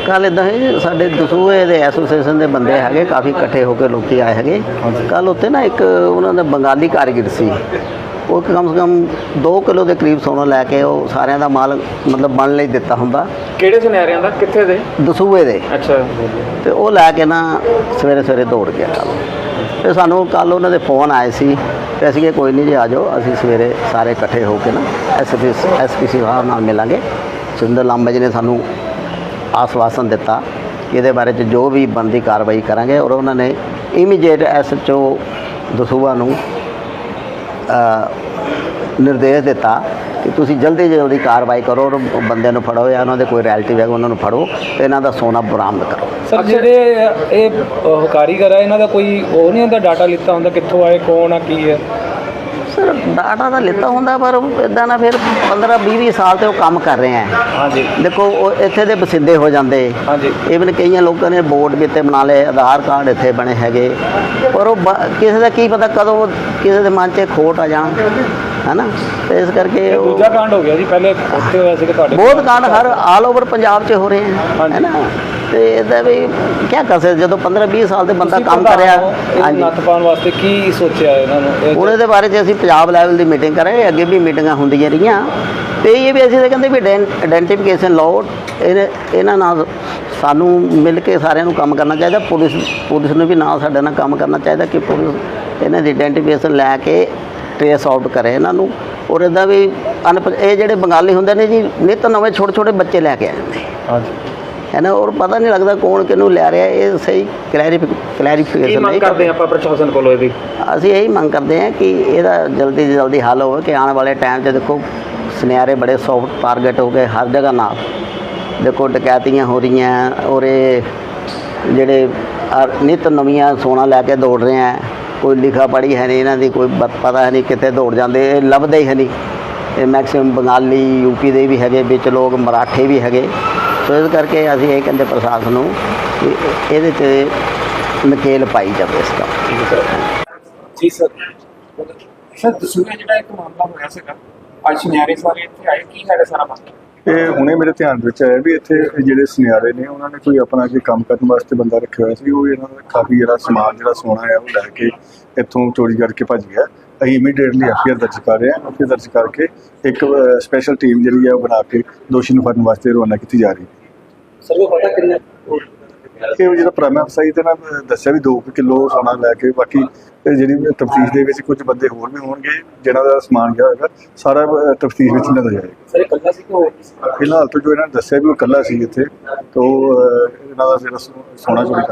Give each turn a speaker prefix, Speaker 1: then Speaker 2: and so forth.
Speaker 1: ਕੱਲ੍ਹ ਇੱਦਾਂ ਹੈ ਸਾਡੇ ਦਸੂਹੇ ਦੇ ਐਸੋਸੀਏਸ਼ਨ ਦੇ ਬੰਦੇ ਹੈਗੇ ਕਾਫੀ ਇਕੱਠੇ ਹੋ ਕੇ ਲੋਕ ਆਏ ਹੈਗੇ। ਕੱਲ੍ਹ ਉੱਥੇ ਨਾ ਇੱਕ ਉਹਨਾਂ ਦਾ ਬੰਗਾਲੀ ਕਾਰੀਗਰ ਸੀ, ਉਹ ਕਮ ਸੇ ਕਮ 2 ਕਿਲੋ ਦੇ ਕਰੀਬ ਸੋਨਾ ਲੈ ਕੇ ਉਹ ਸਾਰਿਆਂ ਦਾ ਮਾਲ ਮਤਲਬ ਬਣ ਲਈ ਦਿੱਤਾ ਹੁੰਦਾ।
Speaker 2: ਕਿਹੜੇ ਸੁਨਿਆਰਿਆਂ ਦਾ, ਕਿੱਥੇ ਦੇ?
Speaker 1: ਦਸੂਹੇ ਦੇ।
Speaker 2: ਅੱਛਾ।
Speaker 1: ਤੇ ਉਹ ਲੈ ਕੇ ਨਾ ਸਵੇਰੇ ਦੌੜ ਗਿਆ ਕੱਲ੍ਹ। ਤੇ ਸਾਨੂੰ ਕੱਲ੍ਹ ਉਹਨਾਂ ਦੇ ਫੋਨ ਆਏ ਸੀ ਤੇ ਅਸੀਂ ਕਿ ਕੋਈ ਨਹੀਂ ਜੀ ਆ ਜਾਓ, ਅਸੀਂ ਸਵੇਰੇ ਸਾਰੇ ਇਕੱਠੇ ਹੋ ਕੇ ਨਾ ਐਸਪੀ ਸਾਹਿਬ ਨਾਲ ਮਿਲਾਂਗੇ। ਸੁਰਿੰਦਰ ਲਾਂਬਾ ਜੀ ਨੇ ਸਾਨੂੰ ਆਸਵਾਸਨ ਦਿੱਤਾ ਕਿ ਇਹਦੇ ਬਾਰੇ 'ਚ ਜੋ ਵੀ ਬਣਦੀ ਕਾਰਵਾਈ ਕਰਾਂਗੇ, ਔਰ ਉਹਨਾਂ ਨੇ ਇਮੀਡੀਏਟ SHO ਦਸੂਹਾ ਨੂੰ ਨਿਰਦੇਸ਼ ਦਿੱਤਾ ਕਿ ਤੁਸੀਂ ਜਲਦੀ ਕਾਰਵਾਈ ਕਰੋ ਔਰ ਬੰਦਿਆਂ ਨੂੰ ਫੜੋ ਜਾਂ ਉਹਨਾਂ ਦੇ ਕੋਈ ਰਿਲੇਟਿਵ ਹੈ ਉਹਨਾਂ ਨੂੰ ਫੜੋ ਤੇ ਇਹਨਾਂ ਦਾ ਸੋਨਾ ਬਰਾਮਦ ਕਰੋ।
Speaker 3: ਸਰ ਜਿਹੜੇ ਇਹ ਕਾਰੀਗਰ ਹੈ ਇਹਨਾਂ ਦਾ ਕੋਈ ਉਹ ਨਹੀਂ ਹੁੰਦਾ, ਡਾਟਾ ਲਿੱਤਾ ਹੁੰਦਾ ਕਿੱਥੋਂ ਆਏ, ਕੌਣ ਆ, ਕੀ ਹੈ?
Speaker 1: ਸਰ ਡਾਟਾ ਤਾਂ ਲਿੱਤਾ ਹੁੰਦਾ ਪਰ ਇੱਦਾਂ ਨਾ ਫਿਰ 15-20 ਸਾਲ ਤੋਂ ਉਹ ਕੰਮ ਕਰ ਰਹੇ ਹੈ।
Speaker 3: ਹਾਂਜੀ।
Speaker 1: ਦੇਖੋ ਉਹ ਇੱਥੇ ਦੇ ਬਸਿੰਦੇ ਹੋ ਜਾਂਦੇ।
Speaker 3: ਹਾਂਜੀ।
Speaker 1: ਇਵਨ ਕਈਆਂ ਲੋਕਾਂ ਨੇ ਬੋਰਡ ਵੀ ਇੱਥੇ ਬਣਾ ਲਏ, ਆਧਾਰ ਕਾਰਡ ਇੱਥੇ ਬਣੇ ਹੈਗੇ, ਪਰ ਉਹ ਕਿਸੇ ਦਾ ਕੀ ਪਤਾ ਕਦੋਂ ਕਿਸੇ ਦੇ ਮਨ 'ਚ ਖੋਟ ਆ ਜਾਣ, ਹੈ ਨਾ। ਤੇ ਇਸ ਕਰਕੇ
Speaker 3: ਦੂਜਾ ਕਾਂਡ ਹੋ ਗਿਆ ਜੀ, ਪਹਿਲੇ ਉੱਥੇ ਹੋਇਆ ਸੀ ਤੁਹਾਡੇ
Speaker 1: ਬਹੁਤ ਕਾਂਡ ਹਰ ਆਲ ਓਵਰ ਪੰਜਾਬ 'ਚ ਹੋ ਰਹੇ ਹੈ ਨਾ। ਤੇ ਇਹਦਾ ਵੀ ਕੀ ਕਰ ਸਕਦੇ, ਜਦੋਂ 15-20 ਸਾਲ ਦੇ ਬੰਦਾ ਕੰਮ ਕਰ ਰਿਹਾ।
Speaker 3: ਹਾਂਜੀ। ਨੱਥ ਪਾਉਣ ਵਾਸਤੇ ਕੀ ਸੋਚਿਆ ਇਹਨਾਂ ਨੂੰ?
Speaker 1: ਹੁਣ ਇਹਦੇ ਬਾਰੇ 'ਚ ਅਸੀਂ ਪੰਜਾਬ ਲੈਵਲ ਦੀ ਮੀਟਿੰਗ ਕਰਾਂਗੇ, ਅੱਗੇ ਵੀ ਮੀਟਿੰਗਾਂ ਹੁੰਦੀਆਂ ਰਹੀਆਂ ਤੇ ਇਹ ਵੀ ਅਸੀਂ ਤਾਂ ਕਹਿੰਦੇ ਵੀ ਆਇਡੈਂਟੀਫਿਕੇਸ਼ਨ ਲਾਓ, ਇਹਨਾਂ ਨਾਲ ਸਾਨੂੰ ਮਿਲ ਕੇ ਸਾਰਿਆਂ ਨੂੰ ਕੰਮ ਕਰਨਾ ਚਾਹੀਦਾ। ਪੁਲਿਸ ਨੂੰ ਵੀ ਨਾਲ ਸਾਡੇ ਨਾਲ ਕੰਮ ਕਰਨਾ ਚਾਹੀਦਾ ਕਿ ਪੁਲਿਸ ਇਹਨਾਂ ਦੀ ਆਇਡੈਂਟੀਫਿਕੇਸ਼ਨ ਲੈ ਕੇ ਟ੍ਰੇਸ ਆਊਟ ਕਰੇ ਇਹਨਾਂ ਨੂੰ। ਔਰ ਇੱਦਾਂ ਵੀ ਇਹ ਜਿਹੜੇ ਬੰਗਾਲੀ ਹੁੰਦੇ ਨੇ ਜੀ, ਨਿੱਤ ਨਵੇਂ ਛੋਟੇ ਬੱਚੇ ਲੈ ਕੇ ਆ ਜਾਂਦੇ।
Speaker 3: ਹਾਂਜੀ।
Speaker 1: ਹੈ ਨਾ, ਔਰ ਪਤਾ ਨਹੀਂ ਲੱਗਦਾ ਕੌਣ ਕਿਹਨੂੰ ਲੈ ਰਿਹਾ। ਇਹ ਸਹੀ ਕਲੈਰੀਫਿਕੇਸ਼ਨ ਨਹੀਂ
Speaker 2: ਕਰਦੇ ਆਪਾਂ ਪ੍ਰਸ਼ਾਸਨ ਕੋਲੋਂ ਇਹਦੀ।
Speaker 1: ਅਸੀਂ ਇਹੀ ਮੰਗ ਕਰਦੇ ਹਾਂ ਕਿ ਇਹਦਾ ਜਲਦੀ ਤੋਂ ਜਲਦੀ ਹੱਲ ਹੋਵੇ ਕਿ ਆਉਣ ਵਾਲੇ ਟਾਈਮ 'ਚ ਦੇਖੋ ਸੁਨਿਆਰੇ ਬੜੇ ਸੌਫਟ ਟਾਰਗੇਟ ਹੋ ਗਏ ਹਰ ਜਗ੍ਹਾ ਨਾਲ। ਦੇਖੋ ਡਕੈਤੀਆਂ ਹੋ ਰਹੀਆਂ ਔਰ ਇਹ ਜਿਹੜੇ ਨਿੱਤ ਨਵੀਆਂ ਸੋਨਾ ਲੈ ਕੇ ਦੌੜ ਰਹੇ ਹੈ, ਕੋਈ ਲਿਖਾ ਪੜ੍ਹੀ ਹੈ ਨਹੀਂ ਇਹਨਾਂ ਦੀ, ਕੋਈ ਪਤਾ ਹੈ ਨਹੀਂ ਕਿੱਥੇ ਦੌੜ ਜਾਂਦੇ, ਇਹ ਲੱਭਦੇ ਹੀ ਹੈ ਨਹੀਂ। ਇਹ ਮੈਕਸਿਮਮ ਬੰਗਾਲੀ UP ਦੇ ਵੀ ਹੈਗੇ, ਵਿੱਚ ਲੋਕ ਮਰਾਠੇ ਵੀ ਹੈਗੇ। ਸੋ ਇਸ ਕਰਕੇ ਅਸੀਂ ਇਹ ਕਹਿੰਦੇ ਪ੍ਰਸ਼ਾਸਨ ਨੂੰ ਕਿ ਇਹਦੇ 'ਚ ਨਕੇਲ ਪਾਈ ਜਾਵੇ ਇਸ ਦਾ।
Speaker 2: ਜੀ ਸਰ। ਸਰ ਦਸੂਹੇ ਜਿਹੜਾ ਇੱਕ ਮਾਮਲਾ ਹੋਇਆ ਸੀਗਾ, ਅੱਜ ਸੁਨਿਆਰੇ ਸਾਰੇ ਇੱਥੇ ਆਏ, ਕੀ ਹੈਗਾ ਸਾਰਾ ਮਾਮਲਾ?
Speaker 4: ਇਹ ਹੁਣੇ ਮੇਰੇ ਧਿਆਨ ਵਿੱਚ ਆਇਆ ਵੀ ਇੱਥੇ ਜਿਹੜੇ ਸੁਨਿਆਰੇ ਨੇ ਉਹਨਾਂ ਨੇ ਕੋਈ ਆਪਣਾ ਕੋਈ ਕੰਮ ਕਰਨ ਵਾਸਤੇ ਬੰਦਾ ਰੱਖਿਆ ਹੋਇਆ ਸੀ। ਉਹ ਇਹਨਾਂ ਦਾ ਕਾਫੀ ਜਿਹੜਾ ਸਮਾਨ ਜਿਹੜਾ ਸੋਨਾ ਹੈ ਉਹ ਲੈ ਕੇ ਇੱਥੋਂ ਚੋਰੀ ਕਰਕੇ ਭੱਜ ਗਿਆ। ਅਸੀਂ ਇਮੀਡੀਏਟਲੀ FIR ਦਰਜ ਕਰ ਰਹੇ ਹਾਂ। FIR ਦਰਜ ਕਰਕੇ ਇੱਕ ਸਪੈਸ਼ਲ ਟੀਮ ਜਿਹੜੀ ਹੈ ਉਹ ਬਣਾ ਕੇ ਦੋਸ਼ੀ ਨੂੰ ਫੜਨ ਵਾਸਤੇ ਰਵਾਨਾ ਕੀਤੀ ਜਾ ਰਹੀ ਹੈ।
Speaker 3: ਸਰ ਉਹ ਪਤਾ ਕਿੰਨਾ
Speaker 4: ਇਹ ਜਿਹੜਾ ਪ੍ਰਾਈਮ ਅਫਸਰ ਤੇ ਨਾ ਦੱਸਿਆ ਵੀ 2 ਕਿਲੋ ਸੋਨਾ ਲੈ ਕੇ, ਬਾਕੀ ਜਿਹੜੀ ਤਫਤੀਸ਼ ਦੇ ਵਿੱਚ ਕੁਝ ਬੰਦੇ ਹੋਰ ਵੀ ਹੋਣਗੇ ਜਿਹਨਾਂ ਦਾ ਸਮਾਨ ਗਿਆ ਹੋਏਗਾ, ਸਾਰਾ ਤਫਤੀਸ਼ ਵਿੱਚ ਨਜ਼ਰ ਜਾਏਗਾ।
Speaker 3: ਸਰ ਇਕੱਲਾ ਸੀ ਕਿ
Speaker 4: ਫਿਲਹਾਲ ਤੋਂ ਜੋ ਇਹਨਾਂ ਨੇ ਦੱਸਿਆ ਵੀ ਉਹ ਇਕੱਲਾ ਸੀ ਇੱਥੇ, ਤੋਂ ਇਹਨਾਂ ਦਾ ਜਿਹੜਾ ਸੋਨਾ ਚੋਰੀ